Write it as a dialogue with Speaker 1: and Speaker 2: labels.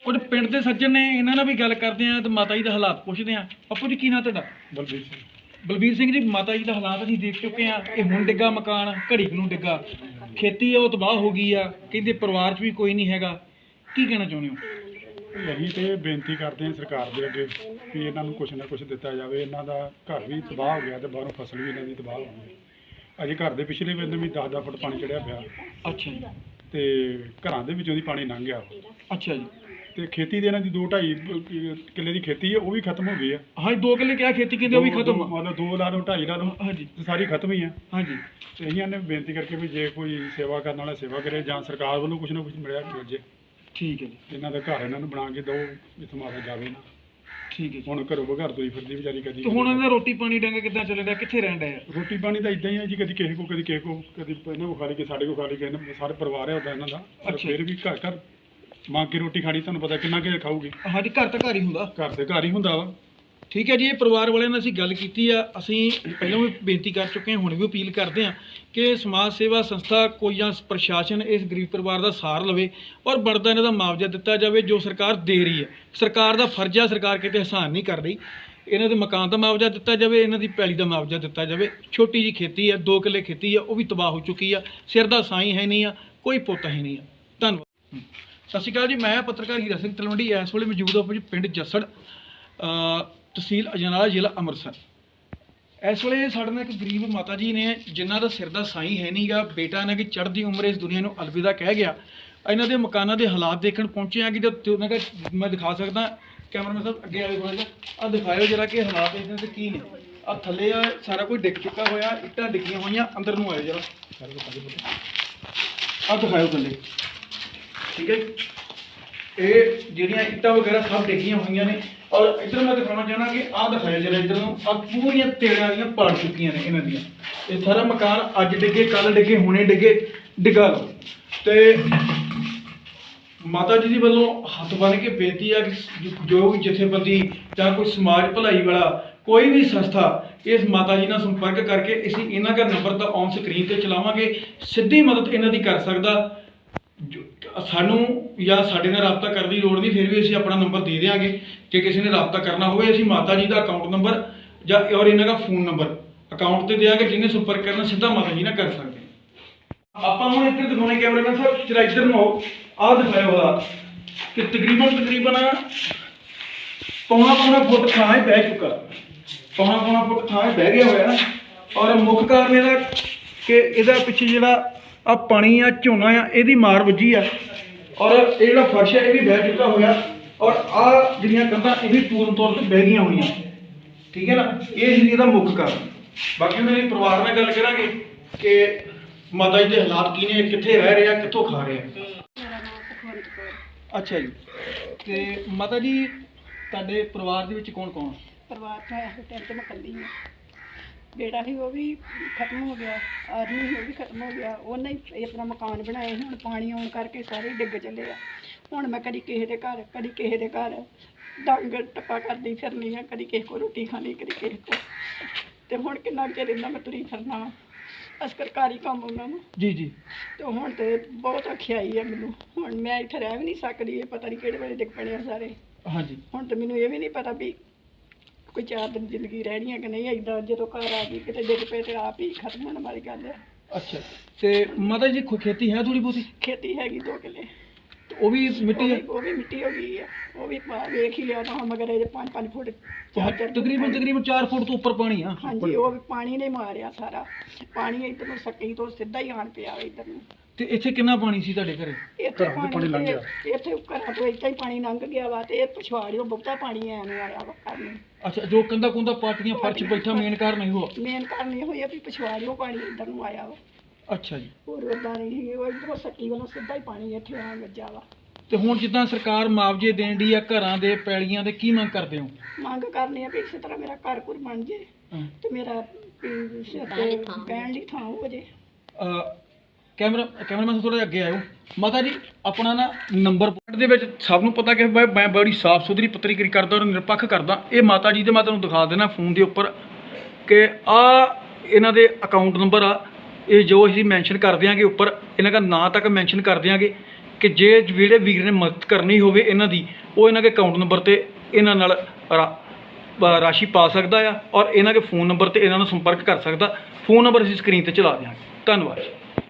Speaker 1: ਕੁਝ ਪਿੰਡ ਦੇ ਸੱਜਣ ਨੇ ਇਹਨਾਂ ਨਾਲ ਵੀ ਗੱਲ ਕਰਦੇ ਆ ਤੇ ਮਾਤਾ ਜੀ ਦੇ ਹਾਲਾਤ ਪੁੱਛਦੇ ਆ। ਪੱਪੂ ਜੀ ਕੀ ਨਾਂ ਤੁਹਾਡਾ?
Speaker 2: ਬਲਬੀਰ ਸਿੰਘ।
Speaker 1: ਬਲਬੀਰ ਸਿੰਘ ਜੀ, ਮਾਤਾ ਜੀ ਦਾ ਹਾਲਾਤ ਅਸੀਂ ਦੇਖ ਚੁੱਕੇ ਆ। ਇਹ ਹੁਣ ਡਿੱਗਾ ਮਕਾਨ, ਘੜੀ ਕੁ ਨੂੰ ਡਿੱਗਾ, ਖੇਤੀ ਆ ਉਹ ਤਬਾਹ ਹੋ ਗਈ ਆ, ਕਹਿੰਦੇ ਪਰਿਵਾਰ 'ਚ ਵੀ ਕੋਈ ਨਹੀਂ ਹੈਗਾ। ਕੀ ਕਹਿਣਾ ਚਾਹੁੰਦੇ ਹੋ?
Speaker 2: ਅਸੀਂ ਤੇ ਬੇਨਤੀ ਕਰਦੇ ਹਾਂ ਸਰਕਾਰ ਦੇ ਅੱਗੇ ਵੀ ਇਹਨਾਂ ਨੂੰ ਕੁਛ ਨਾ ਕੁਛ ਦਿੱਤਾ ਜਾਵੇ। ਇਹਨਾਂ ਦਾ ਘਰ ਵੀ ਤਬਾਹ ਹੋ ਗਿਆ ਤੇ ਬਾਹਰੋਂ ਫਸਲ ਵੀ ਇਹਨਾਂ ਦੀ ਤਬਾਹ ਹੋ ਗਈ। ਅਜੇ ਘਰ ਦੇ ਪਿਛਲੇ ਬੰਦੇ ਵੀ 10-10 ਫੁੱਟ ਪਾਣੀ ਚੜਿਆ ਪਿਆ
Speaker 1: ਅੱਛਾ ਜੀ।
Speaker 2: ਤੇ ਘਰਾਂ ਦੇ ਵਿੱਚੋਂ ਦੀ ਪਾਣੀ ਲੰਘ ਗਿਆ।
Speaker 1: ਅੱਛਾ ਜੀ।
Speaker 2: ਤੇ ਖੇਤੀ ਦੇ ਇਹਨਾਂ ਦੀ 2-2.5 ਕਿੱਲੇ ਦੀ ਖੇਤੀ ਹੈ, ਉਹ ਵੀ ਖਤਮ ਹੋ ਗਈ ਆ।
Speaker 1: ਹਾਂਜੀ, 2 ਕਿੱਲੇ ਕਿਹਾ ਖੇਤੀ ਕਹਿੰਦੇ ਉਹ ਵੀ ਖਤਮ ਆ।
Speaker 2: ਮਤਲਬ 2 ਲਾ ਲਓ 2.5 ਲਾ ਲਓ,
Speaker 1: ਹਾਂਜੀ
Speaker 2: ਤੇ ਸਾਰੀ ਖਤਮ ਹੀ ਆ।
Speaker 1: ਹਾਂਜੀ।
Speaker 2: ਤੇ ਅਸੀਂ ਨੇ ਬੇਨਤੀ ਕਰਕੇ ਵੀ ਜੇ ਕੋਈ ਸੇਵਾ ਕਰਨ ਵਾਲਾ ਸੇਵਾ ਕਰੇ ਜਾਂ ਸਰਕਾਰ ਵੱਲੋਂ ਕੁਛ ਨਾ ਕੁਛ ਮਿਲਿਆ ਮਿਲ ਜੇ।
Speaker 1: ਠੀਕ ਹੈ ਜੀ।
Speaker 2: ਇਹਨਾਂ ਦਾ ਘਰ ਇਹਨਾਂ ਨੂੰ ਬਣਾ ਕੇ ਦਿਓ ਜਿੱਥੋਂ ਮਾਤਾ ਜਾਵੇ ਨਾ।
Speaker 1: ਠੀਕ ਹੈ ਜੀ।
Speaker 2: ਹੁਣ ਘਰੋਂ ਬਘਰ ਤੋਈ ਫਿਰਦੀ ਵਿਚਾਰੀ ਕਦੀ।
Speaker 1: ਤੇ ਹੁਣ ਇਹਨਾਂ ਦਾ ਰੋਟੀ ਪਾਣੀ ਡੰਗਾ ਕਿੱਦਾਂ ਚੱਲ ਰਿਹਾ, ਕਿੱਥੇ ਰਹਿਣ ਡਿਆ?
Speaker 2: ਰੋਟੀ ਪਾਣੀ ਤਾਂ ਇਦਾਂ ਹੀ ਹੈ ਜੀ, ਕਦੀ ਕਿਸੇ ਕੋ ਕਦੀ ਕਿਸੇ ਕੋ, ਕਦੀ ਇਹਨਾਂ ਕੋ ਖਾ ਲਈ, ਕਿ ਸਾਡੇ ਕੋ ਖਾ ਲਈ, ਕਿਸੇ ਸਾਰੇ ਪਰਿਵਾਰ ਹੈ ਉਹਦਾ ਇਹਨਾਂ ਦਾ। ਪਰ ਫਿਰ ਵੀ ਘਰ ਘਰ ਮੰਗ ਕੇ ਰੋਟੀ ਖਾਣੀ, ਤੁਹਾਨੂੰ ਪਤਾ ਕਿੰਨਾ ਕੁ ਖਾਊਗੀ।
Speaker 1: ਹਾਂਜੀ, ਘਰ ਤਾਂ ਘਰ ਹੀ ਹੁੰਦਾ।
Speaker 2: ਘਰ ਦੇ ਘਰ ਹੀ ਹੁੰਦਾ ਵਾ।
Speaker 1: ਠੀਕ ਹੈ ਜੀ। ਇਹ ਪਰਿਵਾਰ ਵਾਲਿਆਂ ਨਾਲ ਅਸੀਂ ਗੱਲ ਕੀਤੀ ਆ। ਅਸੀਂ ਪਹਿਲਾਂ ਵੀ ਬੇਨਤੀ ਕਰ ਚੁੱਕੇ ਹਾਂ, ਹੁਣ ਵੀ ਅਪੀਲ ਕਰਦੇ ਹਾਂ ਕਿ ਸਮਾਜ ਸੇਵਾ ਸੰਸਥਾ ਕੋਈ ਜਾਂ ਪ੍ਰਸ਼ਾਸਨ ਇਸ ਗਰੀਬ ਪਰਿਵਾਰ ਦਾ ਸਾਰ ਲਵੇ ਔਰ ਬਣਦਾ ਇਹਨਾਂ ਦਾ ਮੁਆਵਜ਼ਾ ਦਿੱਤਾ ਜਾਵੇ ਜੋ ਸਰਕਾਰ ਦੇ ਰਹੀ ਹੈ। ਸਰਕਾਰ ਦਾ ਫਰਜ਼ ਆ, ਸਰਕਾਰ ਕਿਤੇ ਅਹਿਸਾਨ ਨਹੀਂ ਕਰ ਰਹੀ। ਇਹਨਾਂ ਦੇ ਮਕਾਨ ਦਾ ਮੁਆਵਜ਼ਾ ਦਿੱਤਾ ਜਾਵੇ, ਇਹਨਾਂ ਦੀ ਪੈਲੀ ਦਾ ਮੁਆਵਜ਼ਾ ਦਿੱਤਾ ਜਾਵੇ। ਛੋਟੀ ਜੀ ਖੇਤੀ ਆ, 2 ਕਿੱਲੇ ਖੇਤੀ ਆ, ਉਹ ਵੀ ਤਬਾਹ ਹੋ ਚੁੱਕੀ ਆ। ਸਿਰ ਦਾ ਸਾਈਂ ਹੈ ਨਹੀਂ ਆ, ਕੋਈ ਪੁੱਤ ਹੈ ਨਹੀਂ ਆ। ਧੰਨਵਾਦ। ਸਤਿ ਸ਼੍ਰੀ ਅਕਾਲ ਜੀ। ਮੈਂ ਪੱਤਰਕਾਰ ਹੀਰਾ ਸਿੰਘ ਤਲਵੰਡੀ ਇਸ ਵੇਲੇ ਮੌਜੂਦ ਹਾਂ ਪਿੰਡ ਜੱਸੜ, ਤਹਿਸੀਲ ਅਜਨਾਲਾ, ਜ਼ਿਲ੍ਹਾ ਅੰਮ੍ਰਿਤਸਰ। ਇਸ ਵੇਲੇ ਸਾਡੇ ਨਾਲ ਇੱਕ ਗਰੀਬ ਮਾਤਾ ਜੀ ਨੇ ਜਿਨ੍ਹਾਂ ਦਾ ਸਿਰ ਦਾ ਸਾਈਂ ਹੈ ਨਹੀਂਗਾ। ਬੇਟਾ ਇਹਨਾਂ ਦੀ ਚੜ੍ਹਦੀ ਉਮਰ ਇਸ ਦੁਨੀਆ ਨੂੰ ਅਲਵਿਦਾ ਕਹਿ ਗਿਆ। ਇਹਨਾਂ ਦੇ ਮਕਾਨਾਂ ਦੇ ਹਾਲਾਤ ਦੇਖਣ ਪਹੁੰਚੇ ਆ ਕਿ ਜਦ ਉਹਨਾਂ ਦਾ ਮੈਂ ਦਿਖਾ ਸਕਦਾ। ਕੈਮਰਾਮੈਨ ਸਾਹਿਬ ਅੱਗੇ ਆਵੇ ਥੋੜ੍ਹਾ ਜਿਹਾ, ਆਹ ਦਿਖਾਇਓ ਜਰਾ ਕਿ ਹਾਲਾਤ ਇਹਨਾਂ ਦੇ ਕੀ ਨੇ। ਆਹ ਥੱਲੇ ਆ ਸਾਰਾ ਕੁਝ ਡਿੱਗ ਚੁੱਕਾ ਹੋਇਆ, ਇੱਟਾਂ ਡਿੱਗੀਆਂ ਹੋਈਆਂ। ਅੰਦਰ ਨੂੰ ਆਇਓ ਜਰਾ, ਆਹ ਦਿਖਾਇਓ ਥੱਲੇ। ਠੀਕ ਹੈ। ਇਹ ਜਿਹੜੀਆਂ ਇੱਟਾਂ ਵਗੈਰਾ ਸਭ ਡਿੱਗੀਆਂ ਹੋਈਆਂ ਨੇ। ਔਰ ਇੱਧਰ ਮੈਂ ਦਿਖਾਉਣਾ ਚਾਹੁੰਦਾ ਕਿ ਆਹ ਦਿਖਾਇਆ ਜਿਹੜਾ ਇੱਧਰ ਨੂੰ, ਆਹ ਪੂਰੀਆਂ ਤੇੜਾਂ ਦੀਆਂ ਪੜ ਚੁੱਕੀਆਂ ਨੇ ਇਹਨਾਂ ਦੀਆਂ। ਇਹ ਸਾਰਾ ਮਕਾਨ ਅੱਜ ਡਿੱਗੇ, ਕੱਲ ਡਿੱਗੇ, ਹੁਣੇ ਡਿੱਗੇ, ਡਿੱਗਾ ਲਓ। ਤੇ ਮਾਤਾ ਜੀ ਦੇ ਵੱਲੋਂ ਹੱਥ ਬੰਨ੍ਹ ਕੇ ਬੇਨਤੀ ਆ ਕਿ ਜੋ ਵੀ ਜਥੇਬੰਦੀ ਜਾਂ ਕੋਈ ਸਮਾਜ ਭਲਾਈ ਵਾਲਾ ਕੋਈ ਵੀ ਸੰਸਥਾ ਇਸ ਮਾਤਾ ਜੀ ਨਾਲ ਸੰਪਰਕ ਕਰਕੇ ਅਸੀਂ ਇਹਨਾਂ ਦਾ ਨੰਬਰ ਤਾਂ ਔਨ ਸਕਰੀਨ ਤੇ ਚਲਾਵਾਂਗੇ। ਸਿੱਧੀ ਮਦਦ ਇਹਨਾਂ ਦੀ ਕਰ ਸਕਦਾ। ਸਾਨੂੰ ਜਾਂ ਸਾਡੇ ਨਾਲ ਰਾਬਤਾ ਕਰਨ ਦੀ ਲੋੜ ਨਹੀਂ, ਫਿਰ ਵੀ ਅਸੀਂ ਆਪਣਾ ਨੰਬਰ ਦੇ ਦਿਆਂਗੇ ਕਿ ਕਿਸੇ ਨੇ ਰਾਬਤਾ ਕਰਨਾ ਹੋਵੇ। ਅਸੀਂ ਮਾਤਾ ਜੀ ਦਾ ਅਕਾਊਂਟ ਨੰਬਰ ਜਾਂ ਔਰ ਇਹਨਾਂ ਦਾ ਫੋਨ ਨੰਬਰ ਅਕਾਊਂਟ ਤੇ ਦਿਆਂਗੇ। ਜਿਹਨੇ ਸੰਪਰਕ ਕਰਨਾ ਸਿੱਧਾ ਮਾਤਾ ਜੀ ਨਾਲ ਕਰ ਸਕਦੇ। ਆਪਾਂ ਹੁਣ ਇੱਧਰ ਦਿਖਾਉਣੇ ਕੈਮਰਾਮੈਨ ਸਾਹਿਬ, ਜਰਾ ਇੱਧਰ ਨੂੰ ਆਓ। ਆਹ ਦਿਖਾਇਆ ਹੋਇਆ ਕਿ ਤਕਰੀਬਨ ਪੌਣਾ ਫੁੱਟ ਥਾਂ ਹੀ ਬਹਿ ਚੁੱਕਾ। ਪੌਣਾ ਫੁੱਟ ਥਾਂ ਹੀ ਬਹਿ ਗਿਆ ਹੋਇਆ ਨਾ। ਔਰ ਮੁੱਖ ਕਾਰਨ ਇਹਦਾ ਕਿ ਇਹਦਾ ਪਿੱਛੇ ਜਿਹੜਾ ਆ ਪਾਣੀ ਆ, ਝੋਨਾ ਆ, ਇਹਦੀ ਮਾਰ ਵੱਜੀ ਆ। ਔਰ ਇਹ ਜਿਹੜਾ ਫਰਸ਼ ਹੈ ਇਹ ਵੀ ਬਹਿ ਚੁੱਕਾ ਹੋਇਆ। ਔਰ ਆਹ ਜਿਹੜੀਆਂ ਕੰਧਾਂ ਇਹ ਵੀ ਪੂਰਨ ਤੌਰ ਤੇ ਬਹਿ ਗਈਆਂ ਹੋਈਆਂ। ਠੀਕ ਹੈ ਨਾ। ਇਹ ਸੀ ਇਹਦਾ ਮੁੱਖ ਕਾਰਨ। ਬਾਕੀ ਉਹਨਾਂ ਦੇ ਪਰਿਵਾਰ ਨਾਲ ਗੱਲ ਕਰਾਂਗੇ ਕਿ ਮਾਤਾ ਜੀ ਦੇ ਹਾਲਾਤ ਕੀ ਨੇ, ਕਿੱਥੇ ਰਹਿ ਰਹੇ ਆ, ਕਿੱਥੋਂ ਖਾ ਰਹੇ ਆ। ਅੱਛਾ ਜੀ। ਤੇ ਮਾਤਾ ਜੀ ਤੁਹਾਡੇ ਪਰਿਵਾਰ ਦੇ ਵਿੱਚ ਕੌਣ ਕੌਣ?
Speaker 3: ਪਰਿਵਾਰ ਤਾਂ ਇਸ ਟਾਈਮ ਤੇ ਮੈਂ ਇਕੱਲੀ ਹਾਂ। ਬੇਟਾ ਸੀ ਉਹ ਵੀ ਖਤਮ ਹੋ ਗਿਆ, ਆਦਮੀ ਸੀ ਉਹ ਵੀ ਖਤਮ ਹੋ ਗਿਆ। ਉਹਨੇ ਹੀ ਆਪਣਾ ਮਕਾਨ ਬਣਾਏ। ਹੁਣ ਪਾਣੀ ਆਉਣ ਕਰਕੇ ਸਾਰੇ ਡਿੱਗ ਚੱਲੇ ਆ। ਹੁਣ ਮੈਂ ਕਦੀ ਕਿਸੇ ਦੇ ਘਰ, ਕਦੀ ਕਿਸੇ ਦੇ ਘਰ ਡੰਗ ਟੱਪਾ ਕਰਦੀ ਫਿਰਨੀ ਆ। ਕਦੀ ਕਿਸੇ ਕੋਲ ਰੋਟੀ ਖਾਣੀ, ਕਦੀ ਕਿਸੇ ਕੋਲ। ਤੇ ਹੁਣ ਕਿੰਨਾ ਚਿਰ ਇੰਨਾ ਮੈਂ ਤੁਰੀ ਫਿਰਨਾ ਵਾ। ਸਰਕਾਰੀ ਕੰਮ ਉਹਨਾਂ ਨੂੰ
Speaker 1: ਜੀ ਜੀ।
Speaker 3: ਤੇ ਹੁਣ ਤੇ ਬਹੁਤ ਔਖਿਆਈ ਆ ਮੈਨੂੰ। ਹੁਣ ਮੈਂ ਇੱਥੇ ਰਹਿ ਵੀ ਨਹੀਂ ਸਕਦੀ। ਇਹ ਪਤਾ ਨਹੀਂ ਕਿਹੜੇ ਵੇਲੇ ਡਿੱਗ ਪੈਣੇ ਆ ਸਾਰੇ।
Speaker 1: ਹਾਂਜੀ।
Speaker 3: ਹੁਣ ਤੇ ਮੈਨੂੰ ਇਹ ਵੀ ਨਹੀਂ ਪਤਾ ਵੀ ਕੋਈ 4 ਦਿਨ ਜ਼ਿੰਦਗੀ ਰਹਿਣੀ ਹੈ ਕਿ ਨਹੀਂ। ਏਦਾਂ ਜਦੋਂ ਘਰ ਆ ਗਈ ਕਿਤੇ ਡਿੱਗ ਪਏ ਤੇ ਆਪ ਹੀ ਖਤਮ ਹੋਣ ਵਾਲੀ ਗੱਲ ਹੈ।
Speaker 1: ਅੱਛਾ। ਤੇ ਮਾਤਾ ਜੀ ਖੇਤੀ ਹੈ ਥੋੜੀ ਬਹੁਤੀ?
Speaker 3: ਖੇਤੀ ਹੈਗੀ 2 ਕਿੱਲੇ।
Speaker 1: ਉਹ ਵੀ ਮਿੱਟੀ ਹੈ?
Speaker 3: ਉਹ ਵੀ ਮਿੱਟੀ ਹੋ ਗਈ ਹੈ। ਉਹ ਵੀ ਵੇਖ ਹੀ ਲਿਆ ਤਾਂ ਹੁਣ, ਮਗਰ ਇਹ 5-5 ਫੁੱਟ
Speaker 1: ਤਕਰੀਬਨ 4 ਫੁੱਟ ਤੋਂ ਉੱਪਰ ਪਾਣੀ ਆ।
Speaker 3: ਹਾਂਜੀ, ਉਹ ਵੀ ਪਾਣੀ ਨੇ ਮਾਰਿਆ ਸਾਰਾ। ਪਾਣੀ ਇੱਧਰ ਨੂੰ ਸੱਕੀ ਤੋਂ ਸਿੱਧਾ ਹੀ ਆਣ ਪਿਆ ਇੱਧਰ ਨੂੰ।
Speaker 1: ਤੇ ਇੱਥੇ ਕਿੰਨਾ ਪਾਣੀ ਸੀ ਤੁਹਾਡੇ ਘਰੇ?
Speaker 3: ਇੱਥੇ ਪਾਣੀ ਲੰਘ ਗਿਆ। ਇੱਥੇ ਘਰਾਂ ਤੋਂ ਇੱਥੇ ਹੀ ਪਾਣੀ ਲੰਘ ਗਿਆ ਵਾ। ਤੇ ਇਹ ਪਿਛਵਾੜਿਓ ਬਹੁਤਾ ਪਾਣੀ ਐ ਨੂੰ ਆਇਆ ਵਾ ਘਰ ਨੂੰ।
Speaker 1: ਅੱਛਾ। ਜੋ ਕੰਧਾ ਕੁੰਦਾ ਪਾਟੀਆਂ, ਫਰਸ਼ ਬੈਠਾ, ਮੇਨ ਕਾਰਨ ਨਹੀਂ ਹੋਆ?
Speaker 3: ਮੇਨ ਕਾਰਨ ਇਹ ਹੋਇਆ ਵੀ ਪਿਛਵਾੜਿਓ ਪਾਣੀ ਇੱਧਰ ਨੂੰ ਆਇਆ ਵਾ।
Speaker 1: ਅੱਛਾ ਜੀ।
Speaker 3: ਹੋਰ ਉੱਦਾਂ ਨਹੀਂ। ਉਹ ਇੱਧਰੋਂ ਸੱਕੀ ਵੱਲੋਂ ਸਿੱਧਾ ਹੀ ਪਾਣੀ ਇੱਥੇ ਆ ਵੱਜਾ ਵਾ।
Speaker 1: ਤੇ ਹੁਣ ਜਿੱਦਾਂ ਸਰਕਾਰ ਮੁਆਵਜ਼ੇ ਦੇਣ ਦੀ ਆ ਘਰਾਂ ਦੇ, ਪੈਲੀਆਂ ਦੇ, ਕੀ ਮੰਗ ਕਰਦੇ ਹੋ?
Speaker 3: ਮੰਗ ਕਰਨੀ ਆ ਵੀ ਇਸੇ ਤਰ੍ਹਾਂ ਮੇਰਾ ਘਰ ਘੁਰ ਬਣ ਜੇ ਤੇ ਮੇਰਾ ਸਿਰ ਤੇ ਬਹਿਣ ਲਈ ਥਾਂ ਹੋ ਜੇ।
Speaker 1: ਕੈਮਰਾਮੈਨ ਥੋੜਾ ਜਿਹਾ ਅੱਗੇ ਆਇਓ। ਮਾਤਾ ਜੀ ਆਪਣਾ ਨਾ ਨੰਬਰ ਪੁਆਇੰਟ ਦੇ ਵਿੱਚ ਸਭ ਨੂੰ ਪਤਾ ਕਿ ਮੈਂ ਬੜੀ ਸਾਫ਼ ਸੁਥਰੀ ਪੱਤਰਕਾਰੀ ਕਰਦਾ ਔਰ ਨਿਰਪੱਖ ਕਰਦਾ। ਇਹ ਮਾਤਾ ਜੀ ਦੇ ਮੈਂ ਤੁਹਾਨੂੰ ਦਿਖਾ ਦੇਣਾ ਫੋਨ ਦੇ ਉੱਪਰ ਕਿ ਆ ਇਹਨਾਂ ਦੇ ਅਕਾਊਂਟ ਨੰਬਰ ਆ। ਇਹ ਜੋ ਅਸੀਂ ਮੈਂਸ਼ਨ ਕਰ ਦਿਆਂਗੇ ਉੱਪਰ, ਇਹਨਾਂ ਦਾ ਨਾਂ ਤੱਕ ਮੈਂਸ਼ਨ ਕਰ ਦਿਆਂਗੇ ਕਿ ਜਿਹੜੇ ਵੀਰ ਨੇ ਮਦਦ ਕਰਨੀ ਹੋਵੇ ਇਹਨਾਂ ਦੀ, ਉਹ ਇਹਨਾਂ ਦੇ ਅਕਾਊਂਟ ਨੰਬਰ 'ਤੇ ਇਹਨਾਂ ਨਾਲ ਰਾਸ਼ੀ ਪਾ ਸਕਦਾ ਆ, ਔਰ ਇਹਨਾਂ ਦੇ ਫ਼ੋਨ ਨੰਬਰ 'ਤੇ ਇਹਨਾਂ ਨੂੰ ਸੰਪਰਕ ਕਰ ਸਕਦਾ। ਫ਼ੋਨ ਨੰਬਰ ਅਸੀਂ ਸਕਰੀਨ 'ਤੇ ਚਲਾ ਦਿਆਂਗੇ। ਧੰਨਵਾਦ।